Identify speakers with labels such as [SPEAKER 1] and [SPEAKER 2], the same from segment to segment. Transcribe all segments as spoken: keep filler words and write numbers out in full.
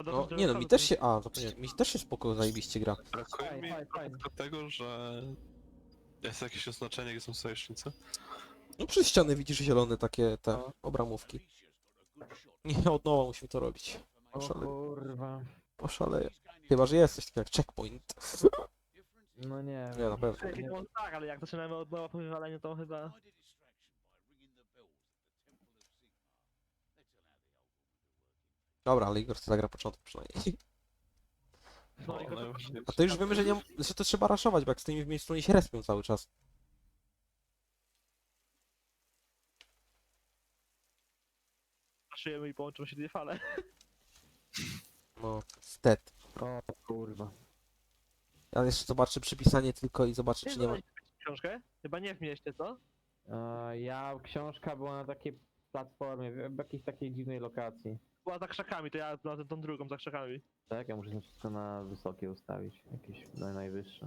[SPEAKER 1] No, nie no, mi też się... A, zapomniałem. Mi też się spoko zajebiście gra.
[SPEAKER 2] Brakuje
[SPEAKER 3] Fajnie,
[SPEAKER 2] mi
[SPEAKER 3] fajnie, fajnie.
[SPEAKER 2] tylko tego, że jest jakieś oznaczenie, gdzie są sojusznicy.
[SPEAKER 1] No przez ściany widzisz zielone takie te
[SPEAKER 3] No.
[SPEAKER 1] obramówki. Nie, od nowa musimy to robić.
[SPEAKER 3] O
[SPEAKER 1] Poszale...
[SPEAKER 3] kurwa.
[SPEAKER 1] Poszaleję. Chyba, że jest coś takiego jak checkpoint.
[SPEAKER 3] No nie
[SPEAKER 1] Nie, na pewno.
[SPEAKER 3] Nie.
[SPEAKER 4] No tak, ale jak zaczynamy od nowa po wywaleniu, to chyba...
[SPEAKER 1] Dobra, ale Igor chce zagra początek przynajmniej.
[SPEAKER 4] No,
[SPEAKER 2] O,
[SPEAKER 4] i to-
[SPEAKER 2] najważniejsze.
[SPEAKER 1] A to już wiemy, że, nie, że to trzeba raszować, bo jak stoimy w miejscu, oni się respią cały czas.
[SPEAKER 4] Zaszyjemy i połączą się dwie fale.
[SPEAKER 1] No, stet.
[SPEAKER 3] O kurwa.
[SPEAKER 1] Ja jeszcze zobaczę przypisanie tylko i zobaczę, czy nie ma...
[SPEAKER 4] Książkę? Chyba nie w mieście, co?
[SPEAKER 3] E, ja, książka była na takiej platformie, w, w jakiejś takiej dziwnej lokacji.
[SPEAKER 4] Była za krzakami, to ja na tą drugą za krzakami.
[SPEAKER 3] Tak, ja muszę to wszystko na wysokie ustawić. Jakieś na najwyższe.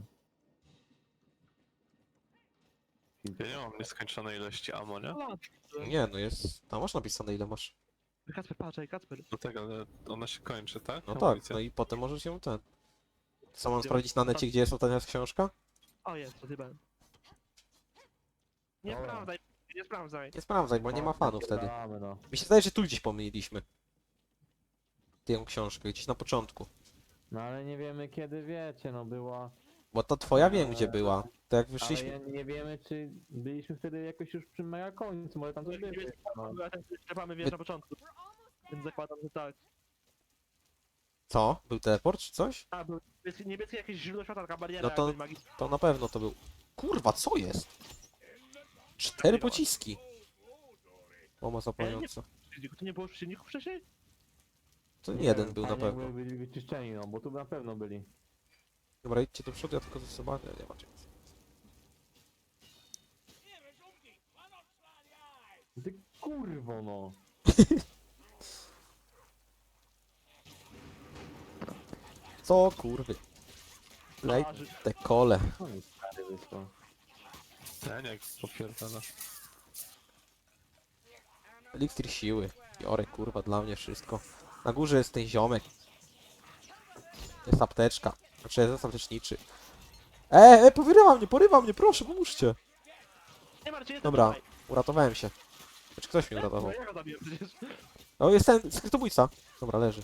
[SPEAKER 2] Ja nie mam nieskończonej ilości ammo, nie?
[SPEAKER 4] No,
[SPEAKER 1] Nie, no jest... Tam masz napisane, ile masz.
[SPEAKER 4] Kacper, patrzaj, Kacper.
[SPEAKER 2] Do tego, ale ona się kończy, tak?
[SPEAKER 1] No tak,
[SPEAKER 2] Amunicja.
[SPEAKER 1] no i potem możesz ją ten... Co mam sprawdzić na necie, gdzie jest ostatnia książka?
[SPEAKER 4] O, jest, to chyba. Nie
[SPEAKER 3] Dobra.
[SPEAKER 4] sprawdzaj, nie sprawdzaj.
[SPEAKER 1] Nie sprawdzaj, bo nie ma fanów wtedy.
[SPEAKER 3] Napierdalamy, no.
[SPEAKER 1] Mi się zdaje, że tu gdzieś pomyliliśmy. Tę książkę, gdzieś na początku.
[SPEAKER 3] No ale nie wiemy kiedy wiecie, no była.
[SPEAKER 1] Bo to twoja wiem, gdzie była. To jak
[SPEAKER 3] Ale
[SPEAKER 1] wyszliśmy...
[SPEAKER 3] ja nie wiemy czy byliśmy wtedy jakoś już przy mega końcu, może tam coś
[SPEAKER 4] Nie
[SPEAKER 3] było.
[SPEAKER 4] wiem,
[SPEAKER 3] No.
[SPEAKER 4] była ten trzepamy wiesz na początku. Więc zakładam, że tak.
[SPEAKER 1] Co? Był teleport czy coś?
[SPEAKER 4] A, był niebieski, niebieski jakieś źródło światła, taka bariera
[SPEAKER 1] No to-
[SPEAKER 4] jakby magiczna.
[SPEAKER 1] To na pewno to był... Kurwa, co jest? Cztery pociski. Mama zapalająca.
[SPEAKER 4] Tu nie było przeciwników wcześniej?
[SPEAKER 1] To
[SPEAKER 3] Nie
[SPEAKER 1] jeden
[SPEAKER 3] wiem,
[SPEAKER 1] był na
[SPEAKER 3] fajnie,
[SPEAKER 1] pewno.
[SPEAKER 3] jakby byli wyczyszczeni, no bo tu na pewno byli.
[SPEAKER 1] Dobra, idźcie do przodu, ja tylko ze sobą... Nie, nie macie.
[SPEAKER 3] Ty kurwo no.
[SPEAKER 1] Co kurwy? Lej
[SPEAKER 4] Twarzy.
[SPEAKER 1] te kole.
[SPEAKER 3] Co mi stary wysłał?
[SPEAKER 2] Ja nie, popierdala.
[SPEAKER 1] Eliksir siły. Biorę kurwa dla mnie wszystko. Na górze jest ten ziomek. To jest apteczka. Znaczy jest apteczniczy. E, e, porywa mnie, porywa mnie, proszę, pomóżcie.
[SPEAKER 4] Nie martw się, jestem
[SPEAKER 1] Dobra,
[SPEAKER 4] tutaj.
[SPEAKER 1] uratowałem się. Znaczy ktoś mnie
[SPEAKER 4] No,
[SPEAKER 1] uratował.
[SPEAKER 4] ja go zabiłem przecież.
[SPEAKER 1] O, jest ten skrytobójca. Dobra, leży.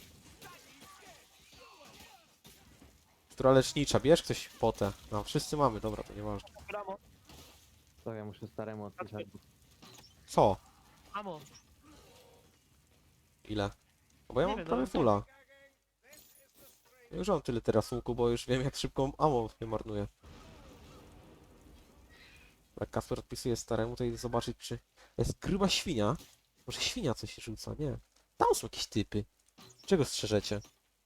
[SPEAKER 1] Która lecznicza, bierz ktoś potę. No, wszyscy mamy, dobra, to nieważne.
[SPEAKER 4] Bramo,
[SPEAKER 3] Co ja muszę staremu odpisać.
[SPEAKER 1] Co?
[SPEAKER 4] amo.
[SPEAKER 1] Ile? No bo ja
[SPEAKER 4] Nie
[SPEAKER 1] mam
[SPEAKER 4] wiem,
[SPEAKER 1] prawie
[SPEAKER 4] no,
[SPEAKER 1] fulla. Ja już mam tyle teraz łuku, bo już wiem jak szybko ammo nie marnuję. Jak Kasper odpisuje staremu, to idę zobaczyć czy... Jest gruba świnia. Może świnia coś się rzuca, nie. Tam są jakieś typy. Czego strzeżecie?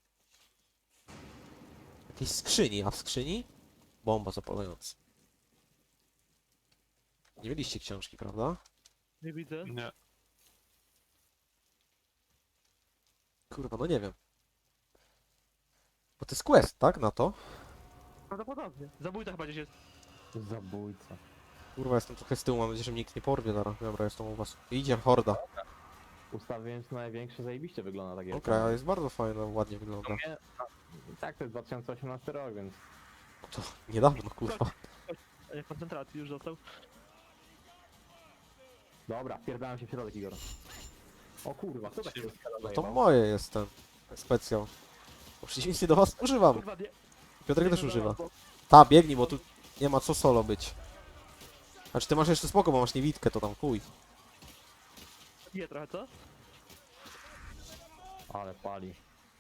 [SPEAKER 1] Jakiejś skrzyni, a w skrzyni? Bomba zapalająca. Nie mieliście książki, prawda?
[SPEAKER 4] Nie widzę.
[SPEAKER 2] Nie.
[SPEAKER 1] Kurwa, no nie wiem. Bo to jest quest, tak? Na to?
[SPEAKER 4] Prawdopodobnie. Zabójca chyba gdzieś jest.
[SPEAKER 3] Zabójca.
[SPEAKER 1] Kurwa, jestem trochę z tyłu, mam nadzieję, że mnie nikt nie porwie zaraz. Dobra, jestem u was. Idzie horda.
[SPEAKER 3] Ustawiając największe zajebiście wygląda tak jak.
[SPEAKER 1] Okej, ale jest bardzo fajna, ładnie wygląda.
[SPEAKER 3] Tak, to jest dwa tysiące osiemnasty rok, więc.
[SPEAKER 1] To niedawno, kurwa.
[SPEAKER 4] E, Koncentracji już został.
[SPEAKER 3] Dobra, wpierdałem się w środek Igor. O kurwa, co takiego
[SPEAKER 1] No to moje jest ten specjal. Bo w przeciwieństwie do was używam.
[SPEAKER 4] Kurwa, nie.
[SPEAKER 1] Piotrek też
[SPEAKER 4] nie
[SPEAKER 1] używa.
[SPEAKER 4] bo-
[SPEAKER 1] Ta, biegnij, bo tu nie ma co solo być. Znaczy ty masz jeszcze spoko, bo masz niewidkę, to tam chuj.
[SPEAKER 4] Nie trochę, co?
[SPEAKER 3] Ale pali.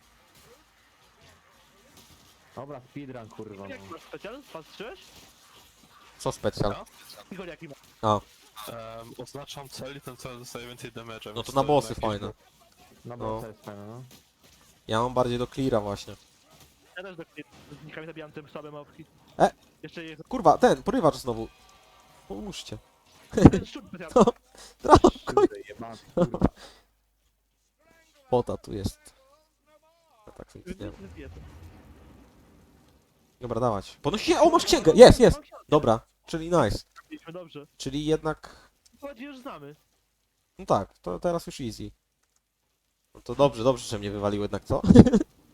[SPEAKER 3] Dobra, speedrun kurwa.
[SPEAKER 4] Jaki
[SPEAKER 3] No.
[SPEAKER 4] masz specjal? Patrzyłeś?
[SPEAKER 1] Co specjal?
[SPEAKER 4] Igor, jaki ma?
[SPEAKER 1] A,
[SPEAKER 2] Um, oznaczam cel i ten cel dostaje więcej damage'a.
[SPEAKER 1] no
[SPEAKER 2] więc
[SPEAKER 1] to na bossy
[SPEAKER 2] jakiś
[SPEAKER 1] fajne.
[SPEAKER 2] był-
[SPEAKER 3] Na
[SPEAKER 1] No.
[SPEAKER 3] bossa jest fajne, no.
[SPEAKER 1] Ja mam bardziej do cleara właśnie.
[SPEAKER 4] Ja też do z nikami zabijam tym słabe małpki.
[SPEAKER 1] E!
[SPEAKER 4] Jeszcze jest
[SPEAKER 1] Kurwa, ten, porywacz znowu. Pomóżcie.
[SPEAKER 4] ten szczur specjalny.
[SPEAKER 1] No, brawo, koń.
[SPEAKER 3] Kurde, jebany, kurwa.
[SPEAKER 1] Pota tu jest. Ja tak sobie
[SPEAKER 4] Nie,
[SPEAKER 1] nie.
[SPEAKER 4] nie zje to.
[SPEAKER 1] Dobra, dawać. Podnosi się, o masz księgę, jest, jest. Dobra, czyli nice.
[SPEAKER 4] Mieliśmy dobrze.
[SPEAKER 1] Czyli jednak...
[SPEAKER 4] Chodzi już znamy.
[SPEAKER 1] No tak, to teraz już easy. No to dobrze, dobrze, że mnie wywalił jednak, co?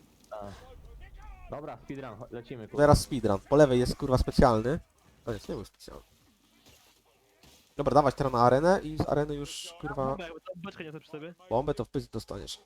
[SPEAKER 3] Dobra, speedrun, cho- lecimy, kurwa.
[SPEAKER 1] Teraz speedrun. Po lewej jest kurwa specjalny. A nie, to nie był specjalny. Dobra, dawać teraz na arenę i z areny już kurwa
[SPEAKER 4] Bombę, jakby tam beczkę nie chcę przy sobie.
[SPEAKER 1] bombę to w pysk dostaniesz.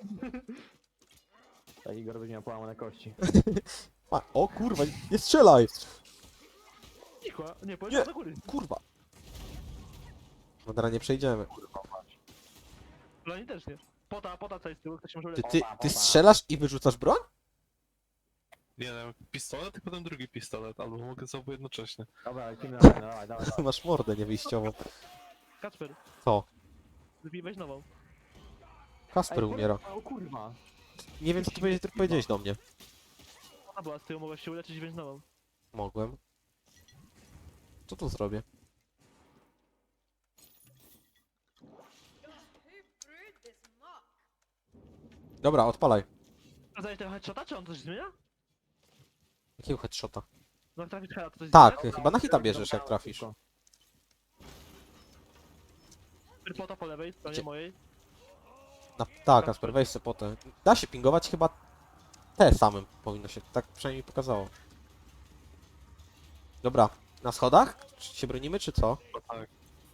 [SPEAKER 3] Tak Igor będzie miał połamane kości.
[SPEAKER 1] A, o kurwa, nie strzelaj!
[SPEAKER 4] Cicho, nie,
[SPEAKER 1] Nie.
[SPEAKER 4] powiedz do góry.
[SPEAKER 1] Kurwa. No teraz nie przejdziemy.
[SPEAKER 4] Dla niej też nie. Pota, pota co jest z tyłu, ktoś się może
[SPEAKER 1] Ty,
[SPEAKER 4] uleczyć.
[SPEAKER 1] ty, ty strzelasz i wyrzucasz broń?
[SPEAKER 2] Nie wiem, pistolet i potem drugi pistolet, albo mogę z obu jednocześnie.
[SPEAKER 3] Dobra, lecimy na arenę, dawaj, dawaj, dawaj.
[SPEAKER 1] Masz mordę niewyjściową.
[SPEAKER 4] Kacper,
[SPEAKER 1] Co?
[SPEAKER 4] wypij weź nową.
[SPEAKER 1] Kasper
[SPEAKER 3] Ej,
[SPEAKER 1] umiera.
[SPEAKER 3] O kurwa.
[SPEAKER 1] Nie wiem co ty powiedziałeś, ty powiedziałeś do mnie.
[SPEAKER 4] Ona była z tyłu, mogłaś się uleczyć i weź nową.
[SPEAKER 1] Mogłem. Co tu zrobię? Dobra, odpalaj.
[SPEAKER 4] Sprawdzałeś tego headshota, czy on coś zmienia?
[SPEAKER 1] Jakiego headshota?
[SPEAKER 4] No jak trafisz heada, to coś
[SPEAKER 1] Tak,
[SPEAKER 4] zmienia?
[SPEAKER 1] chyba na hita bierzesz jak trafisz.
[SPEAKER 4] Pota po lewej, stronie
[SPEAKER 1] Gdzie?
[SPEAKER 4] mojej.
[SPEAKER 1] Na, tak, Kasper, weź se potę. Da się pingować chyba te samym powinno się, tak przynajmniej pokazało. Dobra, na schodach? Czy się bronimy, czy co?
[SPEAKER 2] No tak.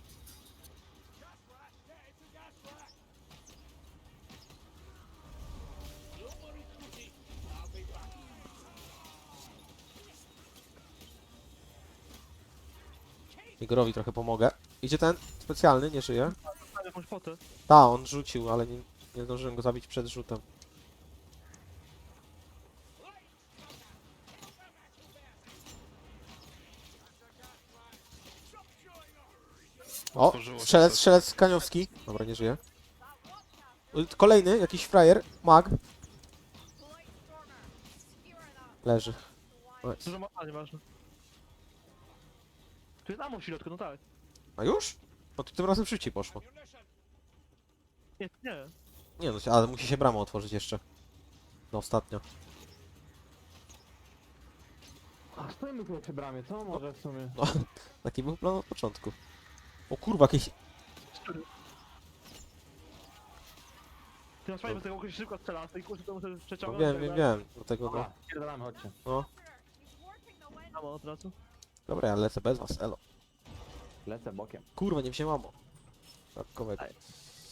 [SPEAKER 1] Igorowi trochę pomogę. Idzie ten specjalny, nie żyje.
[SPEAKER 4] Mam jakąś potę.
[SPEAKER 1] Ta, on rzucił, ale nie, nie zdążyłem go zabić przed rzutem. O,
[SPEAKER 2] Otworzyło się
[SPEAKER 1] strzelec,
[SPEAKER 2] coś.
[SPEAKER 1] strzelec Kaniowski. Dobra, nie żyje. Y, Kolejny, jakiś frajer, mag. Leży. Nice.
[SPEAKER 4] Dużo ma, a nie ważne. Tu jest ammo w środku, no tak.
[SPEAKER 1] A już? No to tym razem szybciej poszło.
[SPEAKER 4] Nie, nie.
[SPEAKER 1] Nie no, ale musi się brama otworzyć jeszcze. No ostatnio.
[SPEAKER 3] A stoimy tu przy bramie, co może w sumie?
[SPEAKER 1] No, taki był plan od początku. O kurwa, jakieś...
[SPEAKER 4] Ty masz fajnie, bo tego kogoś szybko strzela, z tej kuszy to muszę
[SPEAKER 1] No
[SPEAKER 4] przeciągnąć.
[SPEAKER 1] wiem, wiem, wiem. Dlatego no.
[SPEAKER 3] Dobra, pierdolamy, chodźcie.
[SPEAKER 4] Ammo od razu.
[SPEAKER 1] Dobra, ja lecę bez was, elo.
[SPEAKER 3] Lecę bokiem.
[SPEAKER 1] Kurwa, nie wziąłem ammo. Dodatkowego.
[SPEAKER 4] Ej.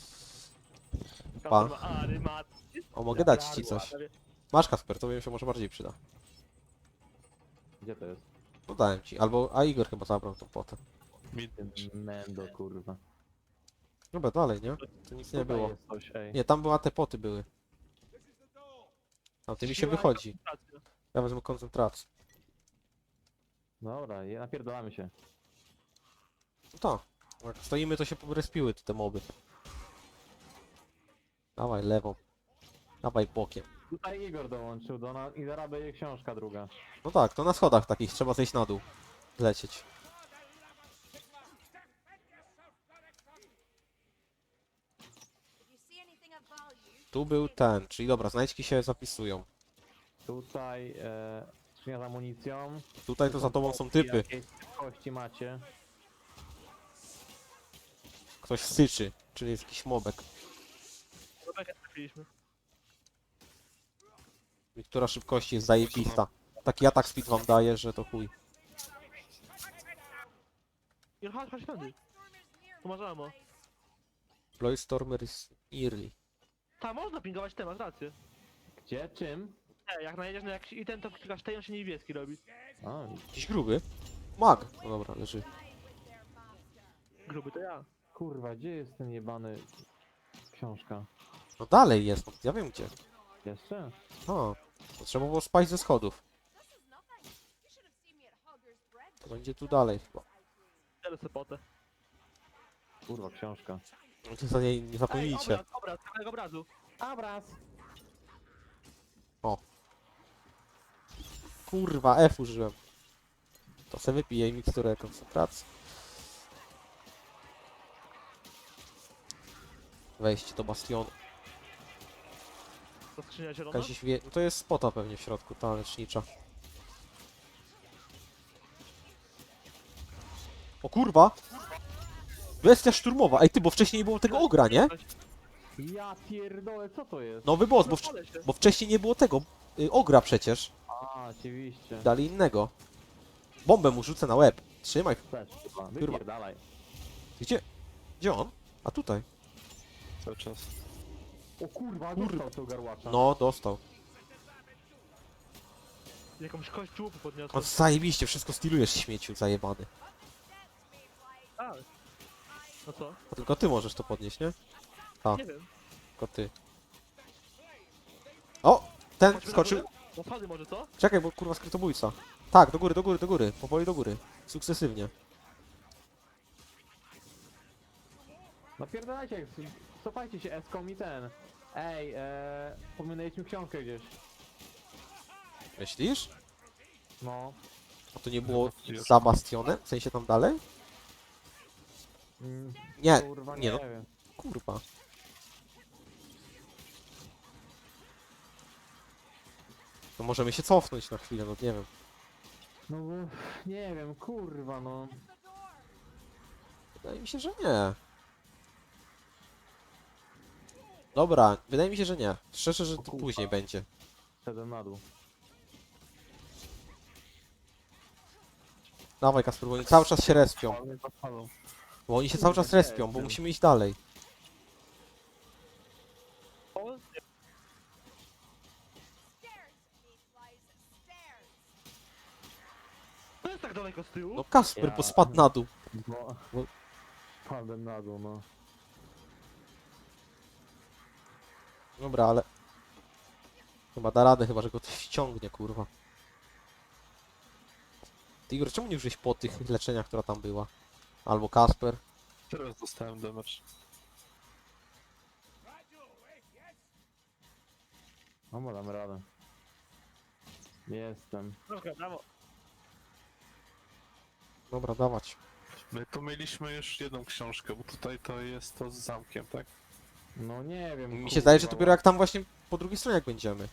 [SPEAKER 1] Pa.
[SPEAKER 4] Kasper ma arymat.
[SPEAKER 1] O, mogę dać ci coś. Masz Kasper, to mi się może bardziej przyda.
[SPEAKER 3] Gdzie to jest?
[SPEAKER 1] No dałem ci, albo... A Igor chyba zabrał tą potę.
[SPEAKER 2] Mid.
[SPEAKER 3] Mendo, kurwa.
[SPEAKER 1] Dobra, dalej, nie? To nic nie
[SPEAKER 3] Tutaj
[SPEAKER 1] było.
[SPEAKER 3] jest coś, ej.
[SPEAKER 1] Nie, tam była te poty były. A ty mi się
[SPEAKER 4] Siła i
[SPEAKER 1] wychodzi.
[SPEAKER 4] koncentracja.
[SPEAKER 1] Ja wezmę koncentrację.
[SPEAKER 3] Dobra, je- napierdolamy się.
[SPEAKER 1] No to. Jak stoimy, to się porespiły te moby. Dawaj lewą. Dawaj bokiem.
[SPEAKER 3] Tutaj Igor dołączył do nas i zaraz będzie książka druga.
[SPEAKER 1] No tak, to na schodach takich trzeba zejść na dół. Lecieć. Tu był ten, czyli dobra, znajdźki się zapisują.
[SPEAKER 3] Tutaj e, skrzynia z amunicją.
[SPEAKER 1] Tutaj to za tobą są typy.
[SPEAKER 3] Jakieś kości macie.
[SPEAKER 1] Ktoś syczy, czyli jest jakiś mobek.
[SPEAKER 4] Do bekę trafiliśmy.
[SPEAKER 1] Która szybkości jest zajebista. Taki atak speed wam daje, że to chuj.
[SPEAKER 4] I chodź, chodź tędy. Tu masz ammo.
[SPEAKER 1] Stormer is early.
[SPEAKER 4] Ta, można pingować temat, rację.
[SPEAKER 3] Gdzie? Czym?
[SPEAKER 4] Nie, jak najedziesz na jakiś item, to klikasz tej, on się niebieski robi.
[SPEAKER 3] A,
[SPEAKER 1] Jakiś gruby? Mag! No dobra, leży.
[SPEAKER 4] Gruby to ja.
[SPEAKER 3] kurwa, gdzie jest ten jebany... Książka?
[SPEAKER 1] No dalej jest, no, ja wiem gdzie.
[SPEAKER 3] Jeszcze?
[SPEAKER 1] O, to trzeba było spaść ze schodów. To będzie tu dalej chyba.
[SPEAKER 4] Biorę sobie potę.
[SPEAKER 3] Kurwa, książka.
[SPEAKER 1] No to za niej nie
[SPEAKER 4] Ej,
[SPEAKER 1] zapomnijcie.
[SPEAKER 4] obraz, obraz, kawałek obrazu.
[SPEAKER 3] Obraz!
[SPEAKER 1] Kurwa, F użyłem. To se wypiję miksturę koncentracji. Wejście do bastionu.
[SPEAKER 4] To skrzynia zielona.
[SPEAKER 1] Jakaś wie... No to jest spota pewnie w środku, ta lecznicza. O kurwa! Bestia szturmowa! Ej ty, bo wcześniej nie było tego ogra, nie?
[SPEAKER 3] Ja pierdolę, co to jest?
[SPEAKER 1] Nowy boss, bo, w...
[SPEAKER 4] Rozpalę się.
[SPEAKER 1] bo wcześniej nie było tego y, ogra przecież.
[SPEAKER 3] A, oczywiście.
[SPEAKER 1] Dali innego. Bombę mu rzucę na łeb. Trzymaj.
[SPEAKER 3] Też chyba.
[SPEAKER 1] Kurwa.
[SPEAKER 3] Wypierdalaj.
[SPEAKER 1] Gdzie? Gdzie on? A tutaj.
[SPEAKER 2] Cały czas.
[SPEAKER 3] O kurwa,
[SPEAKER 1] Kurwa.
[SPEAKER 3] dostał tego garłacza.
[SPEAKER 1] No, dostał.
[SPEAKER 4] Jakąś kość człupu
[SPEAKER 1] On
[SPEAKER 4] podniosłem.
[SPEAKER 1] zajebiście, wszystko stylujesz, śmieciu zajebany.
[SPEAKER 4] A. No co?
[SPEAKER 1] A tylko ty możesz to podnieść, nie? A.
[SPEAKER 4] Nie wiem.
[SPEAKER 1] Tylko ty. O! Ten
[SPEAKER 4] Chodźmy na
[SPEAKER 1] skoczył.
[SPEAKER 4] górę? No schody może, co?
[SPEAKER 1] Czekaj, bo kurwa skrytobójca. Tak, do góry, do góry, do góry. Powoli do góry. Sukcesywnie.
[SPEAKER 3] Napierdalajcie, cofajcie się eską i ten. Ej, e, pominęliśmy książkę gdzieś.
[SPEAKER 1] Myślisz?
[SPEAKER 3] No.
[SPEAKER 1] A to nie było
[SPEAKER 2] Już.
[SPEAKER 1] za bastionem? W sensie tam dalej?
[SPEAKER 3] Mm,
[SPEAKER 1] Nie,
[SPEAKER 3] kurwa,
[SPEAKER 1] nie
[SPEAKER 3] nie
[SPEAKER 1] no,
[SPEAKER 3] wiem.
[SPEAKER 1] kurwa. To możemy się cofnąć na chwilę, no nie wiem.
[SPEAKER 3] No bo, nie wiem, kurwa, no.
[SPEAKER 1] Wydaje mi się, że nie. Dobra, wydaje mi się, że nie. Szczerze, że to
[SPEAKER 3] kurwa.
[SPEAKER 1] później będzie.
[SPEAKER 3] Szedłem na dół.
[SPEAKER 1] Dawaj Kasper, bo oni cały czas się respią.
[SPEAKER 2] Ale zapalą.
[SPEAKER 1] Bo oni się cały czas
[SPEAKER 3] Kurde,
[SPEAKER 1] respią, bo
[SPEAKER 3] jestem.
[SPEAKER 1] musimy iść dalej.
[SPEAKER 4] O, to jest tak daleko z tyłu?
[SPEAKER 1] No Kasper,
[SPEAKER 3] Ja-
[SPEAKER 1] bo spadł na dół.
[SPEAKER 3] No.
[SPEAKER 1] No.
[SPEAKER 3] Padłem na dół, no.
[SPEAKER 1] Dobra, ale... Chyba da radę, chyba że go coś ściągnie, kurwa. Ty Igor, czemu nie użyłeś po tych leczeniach, która tam była? Albo Kasper.
[SPEAKER 2] Teraz dostałem damage.
[SPEAKER 3] No bo dam radę. Jestem.
[SPEAKER 4] Dobra, brawo.
[SPEAKER 1] Dobra, dawać.
[SPEAKER 2] My tu mieliśmy już jedną książkę, bo tutaj to jest to z zamkiem, tak?
[SPEAKER 3] No nie wiem.
[SPEAKER 1] Mi się
[SPEAKER 3] kurwa,
[SPEAKER 1] zdaje, że
[SPEAKER 3] no.
[SPEAKER 1] dopiero jak tam właśnie po drugiej stronie jak będziemy.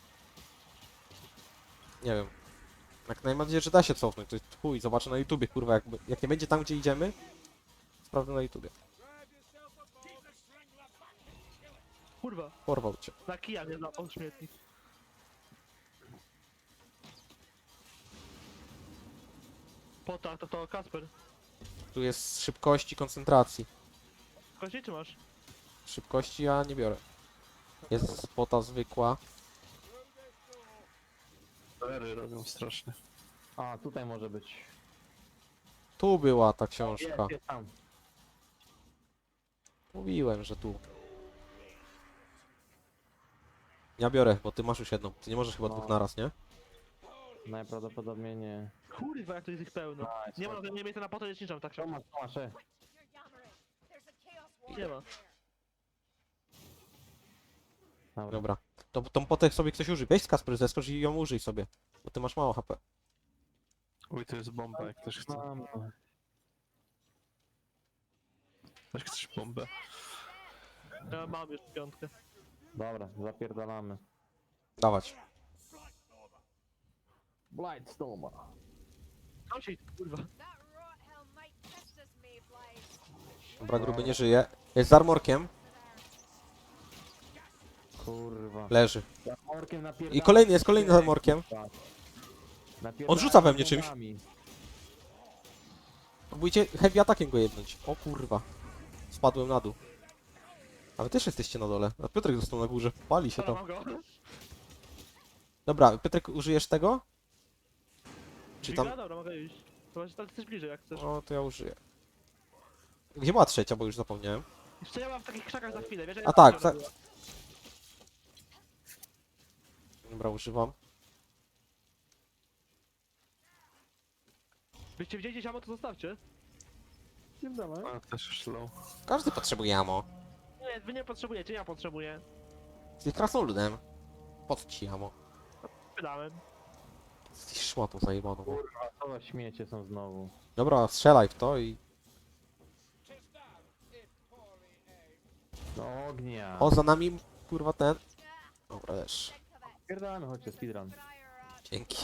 [SPEAKER 1] Nie wiem. Jak najbardziej, że da się cofnąć, to jest chuj, zobaczę na YouTubie, kurwa, jak, jak nie będzie tam, gdzie idziemy, sprawdzę na YouTubie.
[SPEAKER 4] Kurwa,
[SPEAKER 1] Porwał cię.
[SPEAKER 4] na kija mnie zapał śmietnik. Po tak, to to Kasper.
[SPEAKER 1] Tu jest szybkości, koncentracji.
[SPEAKER 4] Kości czy masz?
[SPEAKER 1] Szybkości ja nie biorę. Jest spota zwykła.
[SPEAKER 2] Ery robią strasznie.
[SPEAKER 3] A, tutaj może być.
[SPEAKER 1] Tu była ta książka.
[SPEAKER 3] Jest, jest tam.
[SPEAKER 1] Mówiłem, że tu. Ja biorę, bo ty masz już jedną. Ty nie możesz chyba
[SPEAKER 3] No.
[SPEAKER 1] dwóch naraz, nie?
[SPEAKER 3] Najprawdopodobniej nie.
[SPEAKER 4] Kurwa, jak to jest ich pełno.
[SPEAKER 3] Nice,
[SPEAKER 4] Nie ma,
[SPEAKER 3] fajnie.
[SPEAKER 4] nie miejsca na potę leczniczą, tak
[SPEAKER 3] Co
[SPEAKER 4] się
[SPEAKER 3] masz, co masz, e?
[SPEAKER 4] nie ma.
[SPEAKER 3] Dobra.
[SPEAKER 1] Dobra. To tą potę sobie ktoś użyj. Weź z Kasper, zeskocz i ją użyj sobie. Bo ty masz mało H P.
[SPEAKER 2] Uj, to jest bomba, jak ktoś chce.
[SPEAKER 3] Mam.
[SPEAKER 2] Ktoś chce bombę.
[SPEAKER 4] Ja mam już piątkę.
[SPEAKER 3] Dobra, zapierdalamy.
[SPEAKER 1] Dawać.
[SPEAKER 3] Blightstorma.
[SPEAKER 4] Tam się kurwa.
[SPEAKER 1] Dobra, gruby nie żyje. Jest z armorkiem.
[SPEAKER 3] Kurwa.
[SPEAKER 1] Leży.
[SPEAKER 3] Za orkiem napierdala.
[SPEAKER 1] I kolejny jest, kolejny z armorkiem.
[SPEAKER 3] Napierdala
[SPEAKER 1] On rzuca we mnie czymś.
[SPEAKER 3] nogami.
[SPEAKER 1] Próbujcie heavy atakiem go jednąć. O kurwa. Spadłem na dół. A wy też jesteście na dole. A Piotrek został na górze. Pali się
[SPEAKER 4] Dobra,
[SPEAKER 1] tam.
[SPEAKER 4] mam go.
[SPEAKER 1] Dobra, Piotrek, użyjesz tego? Czy tam...
[SPEAKER 4] Dźwiga? Dobra, mogę iść. Chyba, że tam jesteś bliżej, jak chcesz.
[SPEAKER 1] O, to ja użyję. Gdzie była trzecia, bo już zapomniałem.
[SPEAKER 4] Jeszcze ja mam w takich krzakach za chwilę, wiesz? że
[SPEAKER 1] A
[SPEAKER 4] ja
[SPEAKER 1] tak,
[SPEAKER 4] tam
[SPEAKER 1] za-
[SPEAKER 4] była.
[SPEAKER 1] Dobra, używam.
[SPEAKER 4] Byście widzieli gdzieś ammo, to zostawcie.
[SPEAKER 3] Nie dawaj.
[SPEAKER 2] A, też już low.
[SPEAKER 1] Każdy potrzebuje ammo.
[SPEAKER 4] Nie, wy nie potrzebujecie, ja potrzebuję.
[SPEAKER 1] Jesteś krasnoludem. Po co ci ammo?
[SPEAKER 4] Wydałem.
[SPEAKER 1] Jesteś szmatą zajebaną.
[SPEAKER 3] Kurwa, co za śmiecie są znowu.
[SPEAKER 1] Dobra, strzelaj w to i...
[SPEAKER 3] Do ognia.
[SPEAKER 1] O, za nami, kurwa, ten. Dobra, też.
[SPEAKER 3] Pierdalamy, chodźcie, speedrun.
[SPEAKER 1] Dzięki.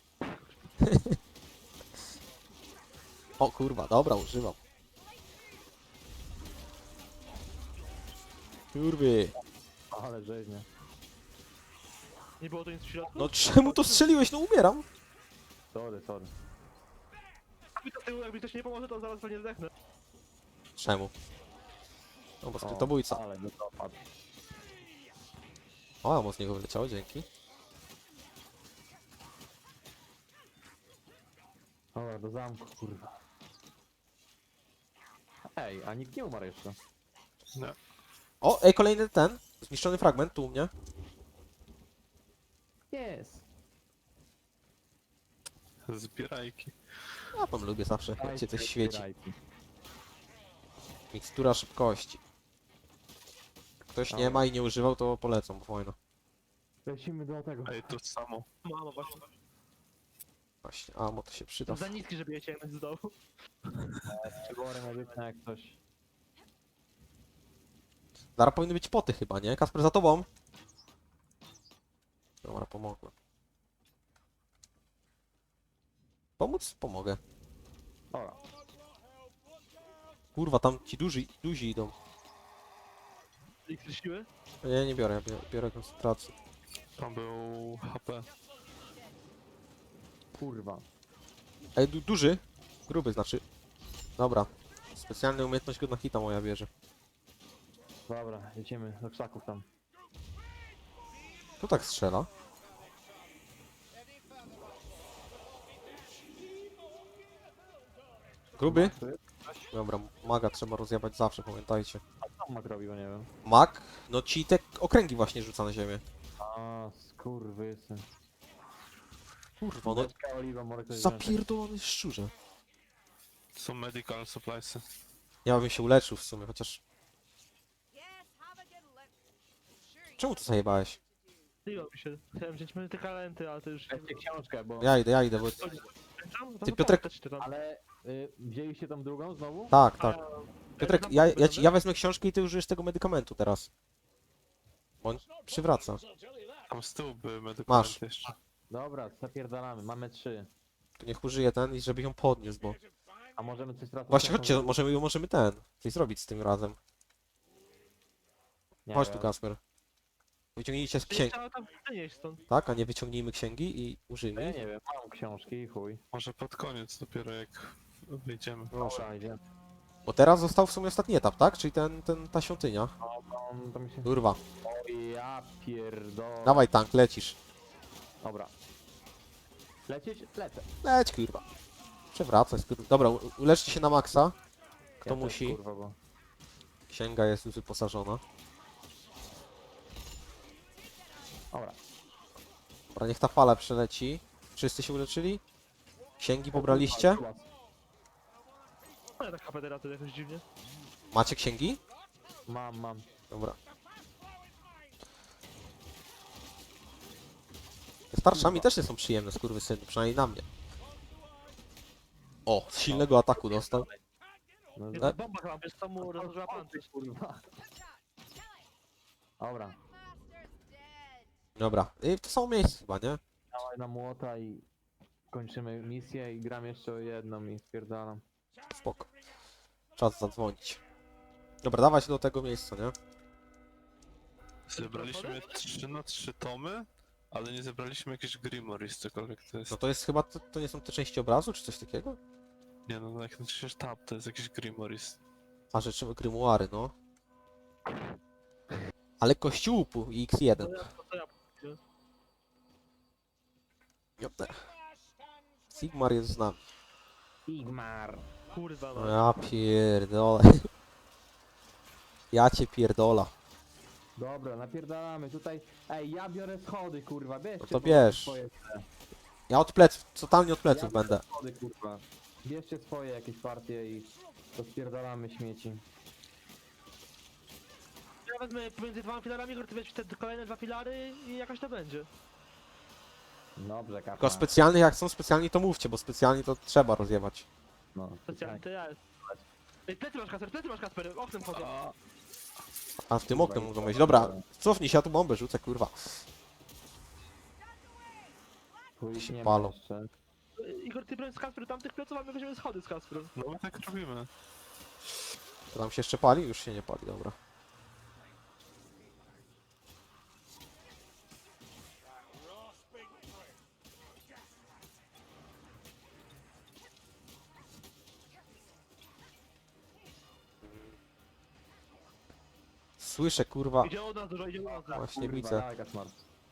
[SPEAKER 1] O kurwa, dobra, używam. Kurwy.
[SPEAKER 3] Ale rzeźnie.
[SPEAKER 4] Nie było tu nic w środku?
[SPEAKER 1] No czemu to strzeliłeś? No umieram.
[SPEAKER 3] Sorry, sorry.
[SPEAKER 4] Mi to z tyłu, jakby ktoś nie pomoże, to zaraz pewnie zdechnę.
[SPEAKER 1] Czemu? No bo
[SPEAKER 3] O,
[SPEAKER 1] skrytobójca.
[SPEAKER 3] Ale no to padł.
[SPEAKER 1] O, amo z niego wyleciało, dzięki.
[SPEAKER 3] Dobra, do zamku, kurwa. Ej, a nikt nie umarł jeszcze.
[SPEAKER 2] Nie.
[SPEAKER 1] O, ej, kolejny ten. Zniszczony fragment tu u mnie.
[SPEAKER 3] Jest.
[SPEAKER 2] Zbierajki.
[SPEAKER 1] Ja tam lubię zawsze, jak się coś świeci.
[SPEAKER 3] Zbierajki.
[SPEAKER 1] Mikstura szybkości. Ktoś nie ma i nie używał, to polecam, bo fajno.
[SPEAKER 3] Lecimy do tego.
[SPEAKER 2] Ej, to samo.
[SPEAKER 4] Mamo właśnie.
[SPEAKER 1] Właśnie, amo to się przyda.
[SPEAKER 4] To za niski, żeby je ciągnąć z dołu.
[SPEAKER 3] Przybory medyczne jak coś.
[SPEAKER 1] Zaraz powinny być poty chyba, nie? Kasper, za tobą. Dobra, pomogłem. Pomóc? Pomogę.
[SPEAKER 3] Dobra.
[SPEAKER 1] Kurwa, tam ci duzi, duzi idą.
[SPEAKER 4] Eliksir siły?
[SPEAKER 1] Nie, nie biorę, ja biorę, biorę koncentrację.
[SPEAKER 2] Tam był H P.
[SPEAKER 3] Kurwa.
[SPEAKER 1] Ej, du duży? Gruby znaczy. Dobra. Specjalna umiejętność go na hita moja bierze.
[SPEAKER 3] Dobra, jedziemy do krzaków tam.
[SPEAKER 1] Tu tak strzela. Gruby? Dobra, maga trzeba rozjebać zawsze, pamiętajcie.
[SPEAKER 3] A co Mak robi, bo nie wiem.
[SPEAKER 1] Mag? No ci te okręgi właśnie rzuca na ziemię.
[SPEAKER 3] A, skurwysyn.
[SPEAKER 1] Kurwa, no
[SPEAKER 3] Beczka oliwa, może ktoś wziąć.
[SPEAKER 1] zapierdolony szczurze.
[SPEAKER 2] Są medical suppliesy.
[SPEAKER 1] Ja bym się uleczył w sumie, chociaż... Czemu to zajebałeś?
[SPEAKER 4] Zliło mi się. Chciałem wziąć medykalenty, ale to już...
[SPEAKER 3] Weźcie książkę, bo...
[SPEAKER 1] Ja idę, ja idę, bo...
[SPEAKER 4] Tam?
[SPEAKER 1] Ty,
[SPEAKER 4] No
[SPEAKER 1] Piotrek-
[SPEAKER 4] to czytam.
[SPEAKER 3] Ale y, wzięliście tą drugą znowu?
[SPEAKER 1] Tak, tak.
[SPEAKER 4] A,
[SPEAKER 1] Piotrek,
[SPEAKER 4] znam
[SPEAKER 1] ja, ja,
[SPEAKER 4] podpowiedź,
[SPEAKER 1] ci, ja wezmę książkę i ty użyjesz tego medykamentu teraz. Bo on przywraca.
[SPEAKER 2] Tam z tyłu były
[SPEAKER 1] Masz.
[SPEAKER 2] medykamenty jeszcze.
[SPEAKER 3] Dobra, zapierdalamy, mamy trzy.
[SPEAKER 1] To niech użyje ten i żeby ją podniósł, bo...
[SPEAKER 3] A możemy coś teraz...
[SPEAKER 1] Właśnie, chodźcie, możemy, możemy ten... Coś zrobić z tym razem.
[SPEAKER 3] Nie
[SPEAKER 1] Chodź
[SPEAKER 3] wiem.
[SPEAKER 1] tu, Kasper. Wyciągnijcie z
[SPEAKER 4] Ty
[SPEAKER 1] księgi,
[SPEAKER 4] chciała tam wynieść stąd.
[SPEAKER 1] tak? A nie wyciągnijmy księgi i
[SPEAKER 3] Ja
[SPEAKER 1] użyjmy ich.
[SPEAKER 3] nie wiem, mam książki i chuj.
[SPEAKER 2] Może pod koniec dopiero jak wyjdziemy.
[SPEAKER 1] Proszę.
[SPEAKER 3] Dobra, idziemy.
[SPEAKER 1] Bo teraz został w sumie ostatni etap, tak? Czyli ten, ten, ta świątynia.
[SPEAKER 3] No, to, to mi się...
[SPEAKER 1] Kurwa.
[SPEAKER 3] O ja pierdolę.
[SPEAKER 1] Dawaj tank, lecisz.
[SPEAKER 3] Dobra. Lecieć? Lecę.
[SPEAKER 1] Leć, kurwa. Przewracaj, skur... Dobra, u- uleczcie się na maksa. Kto
[SPEAKER 3] Ja też,
[SPEAKER 1] musi?
[SPEAKER 3] kurwa, bo...
[SPEAKER 1] Księga jest już wyposażona.
[SPEAKER 3] Dobra.
[SPEAKER 1] Dobra, niech ta fala przeleci. Wszyscy się uleczyli? Księgi pobraliście?
[SPEAKER 4] Ale tak H P teraz to jakoś dziwnie.
[SPEAKER 1] Macie księgi?
[SPEAKER 3] Mam, mam.
[SPEAKER 1] Dobra. Te starszami też nie są przyjemne, skurwysyny, przynajmniej na mnie. O, z silnego ataku dostał.
[SPEAKER 3] No,
[SPEAKER 4] Jest
[SPEAKER 1] E?
[SPEAKER 4] ta bomba chyba, wiesz co mu rozłożyła pancerz.
[SPEAKER 3] kurwa. Dobra.
[SPEAKER 1] Dobra, i to samo miejsce chyba, nie?
[SPEAKER 3] Dawaj na młota i... Kończymy misję i gram jeszcze o jedną i spierdalam.
[SPEAKER 1] Spoko. Czas zadzwonić. Dobra, dawać do tego miejsca, nie?
[SPEAKER 2] Zebraliśmy trzy na trzy tomy, ale nie zebraliśmy jakichś Grimories, cokolwiek to jest.
[SPEAKER 1] No to jest chyba, to, to nie są te części obrazu, czy coś takiego?
[SPEAKER 2] Nie no, jak naciśniesz tab, to jest jakiś Grimories.
[SPEAKER 1] A rzeczy grymuary, no. Ale kościółpu i X jeden.
[SPEAKER 4] To ja, to ja.
[SPEAKER 1] Jopne. Sigmar jest z nami.
[SPEAKER 3] Sigmar.
[SPEAKER 4] Kurwa
[SPEAKER 1] No
[SPEAKER 4] no.
[SPEAKER 1] ja pierdolę. Ja cię pierdola.
[SPEAKER 3] Dobra, napierdalamy tutaj. Ej, ja biorę schody, kurwa, bierzcie
[SPEAKER 1] No to
[SPEAKER 3] po-
[SPEAKER 1] bierz.
[SPEAKER 3] swoje.
[SPEAKER 1] Ja od pleców, totalnie od
[SPEAKER 3] Ja
[SPEAKER 1] pleców
[SPEAKER 3] biorę
[SPEAKER 1] będę.
[SPEAKER 3] schody, kurwa. Bierzcie swoje jakieś partie i rozpierdalamy śmieci.
[SPEAKER 4] Ja wezmę pomiędzy dwoma filarami, Igor, ty weź te kolejne dwa filary i jakaś to będzie.
[SPEAKER 3] Dobrze, kapa.
[SPEAKER 1] Tylko specjalnych, jak są specjalni, to mówcie, bo specjalnie to trzeba rozjebać.
[SPEAKER 3] No,
[SPEAKER 4] Specjalnie, to ja jest. Ej, plecy masz Kasper, plecy masz Kasper, oknem chodzą.
[SPEAKER 2] A,
[SPEAKER 1] A w tym oknem mogą wejść. Dobra, cofnij się, ja tu bombę rzucę, kurwa.
[SPEAKER 3] Chuj,
[SPEAKER 1] się
[SPEAKER 3] nie
[SPEAKER 1] palą.
[SPEAKER 3] ma jeszcze.
[SPEAKER 4] Ej, Igor, ty broń z Kasper tamtych pleców, a my weźmiemy schody z Kasper.
[SPEAKER 2] no my tak robimy.
[SPEAKER 1] To tam się jeszcze pali? Już się nie pali, dobra. Słyszę, kurwa.
[SPEAKER 4] Idzie od nas dużo, idzie od nas dużo.
[SPEAKER 1] Właśnie
[SPEAKER 3] Kurwa,
[SPEAKER 1] widzę.
[SPEAKER 3] jaka smart.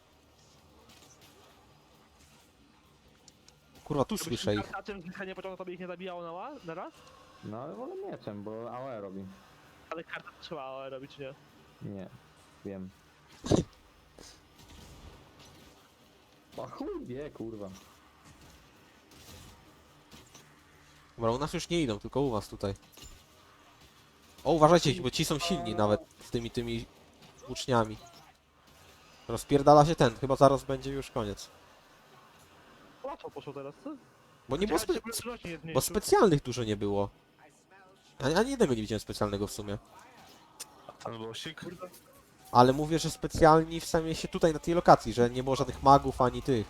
[SPEAKER 1] Kurwa, tu słyszę ich.
[SPEAKER 4] A czym nie pociągnął, to by ich nie zabijało na, ła- na raz?
[SPEAKER 3] No ale wolę mieczem, bo A O E robi.
[SPEAKER 4] Ale karta trzeba robić, nie?
[SPEAKER 3] Nie, wiem. A chuj wie, kurwa.
[SPEAKER 1] Dobra, u nas już nie idą, tylko u was tutaj. O, uważajcie, bo ci są silni nawet z tymi tymi włóczniami. Rozpierdala się ten, chyba zaraz będzie już koniec.
[SPEAKER 4] Łatwo poszło teraz, co?
[SPEAKER 1] Bo nie było
[SPEAKER 4] Czekaj,
[SPEAKER 1] spe
[SPEAKER 4] żeby rośnie nie
[SPEAKER 1] bo
[SPEAKER 4] zmniejszył.
[SPEAKER 1] specjalnych dużo nie było. Ani, ani jednego nie widziałem specjalnego w sumie.
[SPEAKER 2] Ten losik.
[SPEAKER 1] Ale mówię, że specjalni w samej się tutaj na tej lokacji, że nie było żadnych magów ani tych.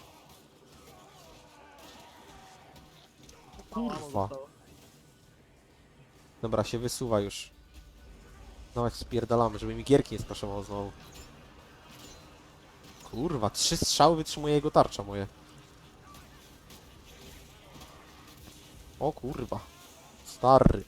[SPEAKER 4] Mało ammo
[SPEAKER 1] Kurwa.
[SPEAKER 4] zostało.
[SPEAKER 1] Dobra, się wysuwa już. Dawać spierdalamy, żeby mi gierki nie spraszował znowu. Kurwa, trzy strzały wytrzymuje jego tarcza moje. O kurwa. Stary.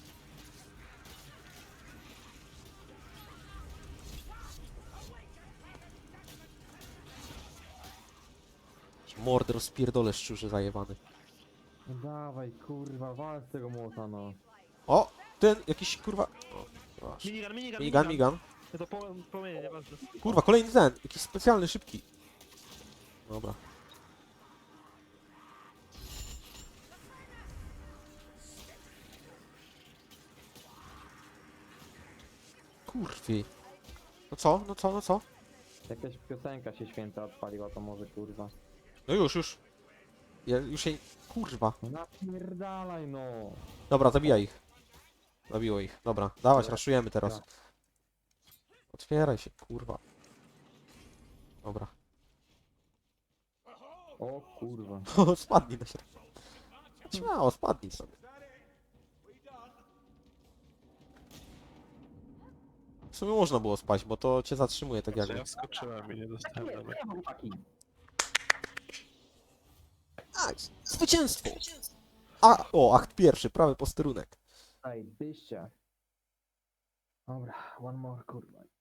[SPEAKER 1] Mordę rozpierdolę szczurze zajebany.
[SPEAKER 3] No dawaj, kurwa, wal z tego młota, no.
[SPEAKER 1] O! Ten jakiś kurwa... O, proszę.
[SPEAKER 4] Minigun, minigun,
[SPEAKER 1] Migan, migan.
[SPEAKER 4] To po, płomienie, nieważne.
[SPEAKER 1] Kurwa, kolejny ten. Jakiś specjalny, szybki. Dobra. Kurwi. No co? No co? No co?
[SPEAKER 3] Jakaś piosenka się święta odpaliła, to może kurwa.
[SPEAKER 1] No już, już. Ja już jej... Kurwa.
[SPEAKER 3] No napierdalaj, no.
[SPEAKER 1] Dobra, zabijaj ich. Zabiło ich. Dobra, dawać,
[SPEAKER 3] Dobra.
[SPEAKER 1] raszujemy teraz.
[SPEAKER 3] Dobra.
[SPEAKER 1] Otwieraj się, kurwa. Dobra.
[SPEAKER 3] O kurwa.
[SPEAKER 1] O, spadnij na środek. Śmiało, spadnij sobie. W sumie można było spaść, bo to cię zatrzymuje tak
[SPEAKER 2] Znaczy,
[SPEAKER 1] jakby.
[SPEAKER 2] ja wskoczyłem i nie dostałem damek.
[SPEAKER 3] chłopaki.
[SPEAKER 1] Nice. Zwycięstwo! A, o, akt pierwszy, prawy posterunek.
[SPEAKER 3] Ej, byście. Dobra, one more, kurwa.